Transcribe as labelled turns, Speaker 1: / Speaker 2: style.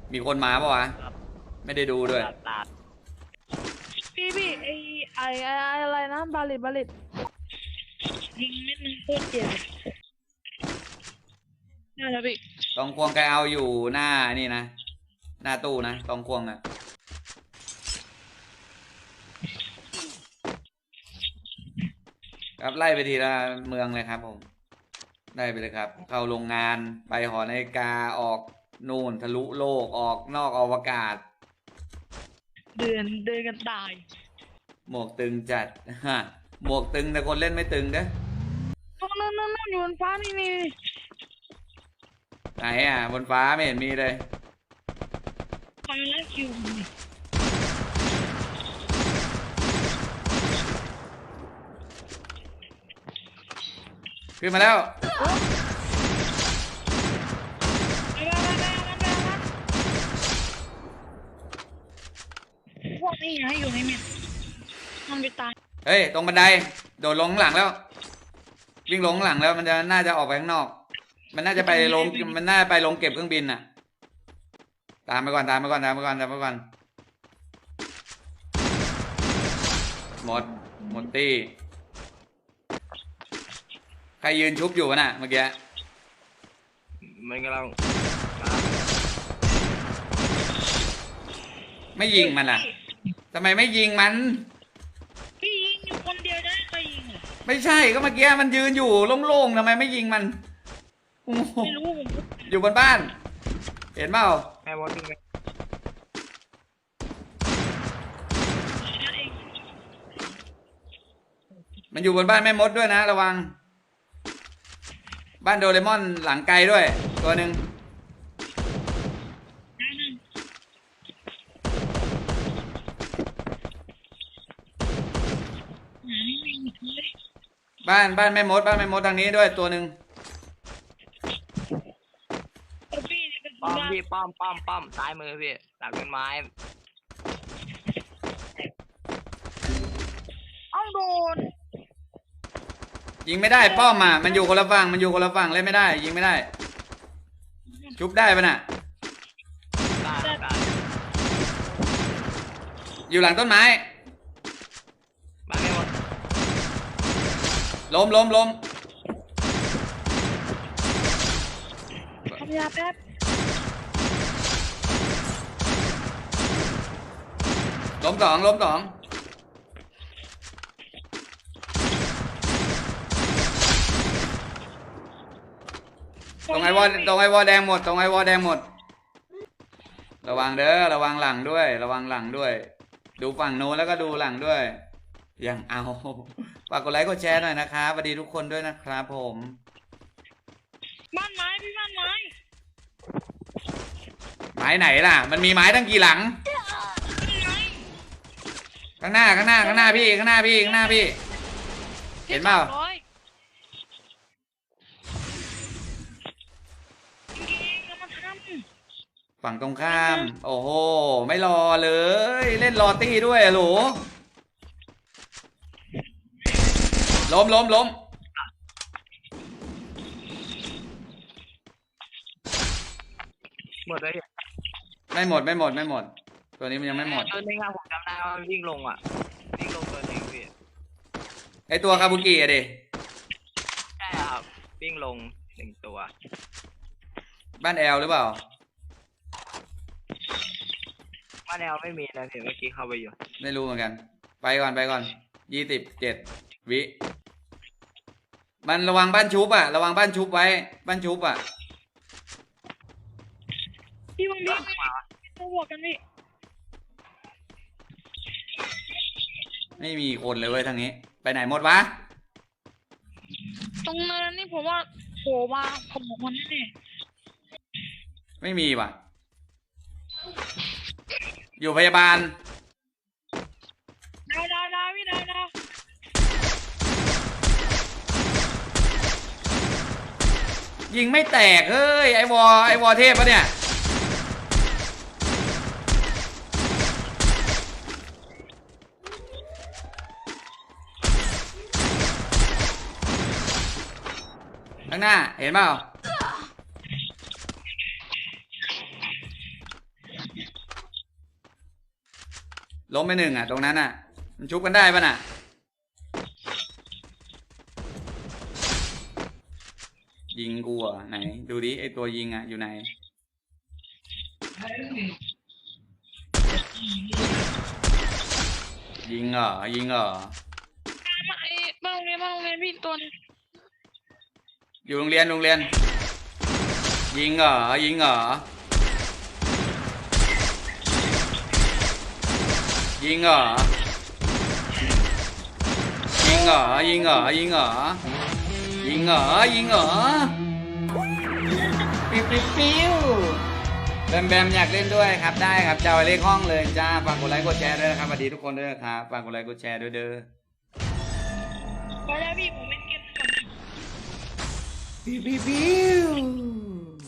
Speaker 1: มีคนมาปะวะไม่ได้ดูด้วย
Speaker 2: ตาด
Speaker 3: พี่ไออะไรนะบาลิตยิงเม็ดนึงโคตรเจ็บนั่นแหละพี่
Speaker 1: ตองควงแกเอาอยู่หน้านี่นะหน้าตู้นะตองควงอ่ะครับไล่ไปทีละเมืองเลยครับผมได้ไปเลยครับเข้าโรงงานไปหอนาฬิกาออกนู่นทะลุโลกออกนอกอวกาศ
Speaker 3: เดินกันตาย
Speaker 1: หมวกตึงจัดฮะหมวกตึงแต่คนเล่นไม่ตึงเด้อ
Speaker 3: นั่นอยู่บนฟ้านี่
Speaker 1: ไหนอ่ะบนฟ้าไม่เห็นมีเลย
Speaker 3: คอยไล่คิว
Speaker 1: ขึ้นมาแล้ว
Speaker 3: พวกนี้นะอยู่ในเม็ดมันไปตาย
Speaker 1: เฮ้ยตรงบันไดโดดลงข้างหลังแล้ววิ่งลงข้างหลังแล้วมันจะน่าจะออกไปข้างนอกมันน่าจะไปลงมันน่าไปลงเก็บเครื่องบินน่ะตามไปก่อนหมดตี้ใครยืนชุบอยู่น่ะเมื่อกี้
Speaker 2: มันกำลัง
Speaker 1: ไม่ยิงมันอ่ะทำไมไม่ยิงมัน
Speaker 3: พี่ยิงอยู่คนเดียวได้ใครยิง
Speaker 1: ไม่ใช่ก็เมื่อกี้มันยืนอยู่โล่งๆทำไมไม่ยิงมัน
Speaker 3: ไม่รู้
Speaker 1: อยู่บนบ้านเห็นเปล่า
Speaker 2: แม่มดยิงไหม
Speaker 1: มันอยู่บนบ้านแม่มดด้วยนะระวังบ้านโดเรมอนหลังไกลด้วยตัวหนึ่งบ้านแม่มดทางนี้ด้วยตัวหนึ่ง
Speaker 2: ป้อมพี่ป้อมซ้ายมือพี่หลังต้นไม้
Speaker 3: เอาโดน
Speaker 1: ยิงไม่ได้ป้อมอ่ะมันอยู่คนละฝั่งเล่นไม่ได้ยิงไม่ได้ชุบได้ปะน่ะอยู่หลังต้นไม้
Speaker 2: มาไม่หมด
Speaker 1: ล้ม
Speaker 3: ทำยาแป๊บ
Speaker 1: ล้มสองตรงไอวอแดงหมดระวังเด้อระวังหลังด้วยดูฝั่งโน้นแล้วก็ดูหลังด้วยยังเอาฝากกดไลค์กดแชร์หน่อยนะครับสวัสดีทุกคนด้วยนะครับผม
Speaker 3: บ้านไม้
Speaker 1: ไม้ไหนล่ะมันมีไม้ตั้งกี่หลังข้างหน้าพี่เห็นเปล่าฝั่งตรงข้ามโอ้โหไม่รอเลยเล่นรอตี้ด้วยหรอล้ม
Speaker 2: หมดเลย
Speaker 1: ไม่หมดตัวนี้มันยังไม่หมด
Speaker 2: ตัวนึงผมจำได้ว่าวิ่งลงตัวนึงพี่
Speaker 1: ไอตัวคาบุกิอะดิ
Speaker 2: ใช่ครับวิ่งลง1ตัว
Speaker 1: บ้านแอลหรือเปล่า
Speaker 2: บ้านแอลไม่มีนะพี่เมื่อกี้เข้าไปอยู่
Speaker 1: ไม่รู้เหมือนกันไปก่อน27 วิมันระวังบ้านชุบอ่ะระวังบ้านชุบไว้บ้านชุบอ่ะ
Speaker 3: พี่วังดีต้องบวกกันพี่
Speaker 1: ไม่มีคนเลยเว้ยทางนี้ไปไหนหมดวะ
Speaker 3: ตรงเนินนี่ผมว่าโผล่มาผมบอกมันแน่
Speaker 1: ไม่มีว่ะอยู่พยาบาล
Speaker 3: ได้พี่ได้
Speaker 1: ยิงไม่แตกเฮ้ยไอวอเทพปะเนี่ยข้างหน้าเห็นเปล่าล้มไปหนึ่งอ่ะตรงนั้นอ่ะ มันชุบกันได้ป่ะน่ะ ยิงกูอ่ะไหน ดูดิไอตัวยิงอ่ะอยู่ไหน ยิงเหรอยิงเหรอ
Speaker 3: มาไอ้บ้านโรงเรียนพี่ตัวนึง
Speaker 1: อยู่โรงเรียนยิงเหรอยิงเหรอยิงเหรอยิงเหรอยิงเหรอยิงเหรอยิงเหรอยิงเหรอปิ๊วปิ๊วปิ๊วแบมแบมอยากเล่นด้วยครับได้ครับจะเอาเลขห้องเลยจ้าฝากกดไลค์กดแชร์ด้วยนะครับสวัสดีทุกคนด้วยนะครับฝากกดไลค์กดแชร์ด้วยเด้อ
Speaker 3: พอแล้วพี่ผมเล่นเกมก่อน
Speaker 1: ปิ๊วปิ๊วปิ๊ว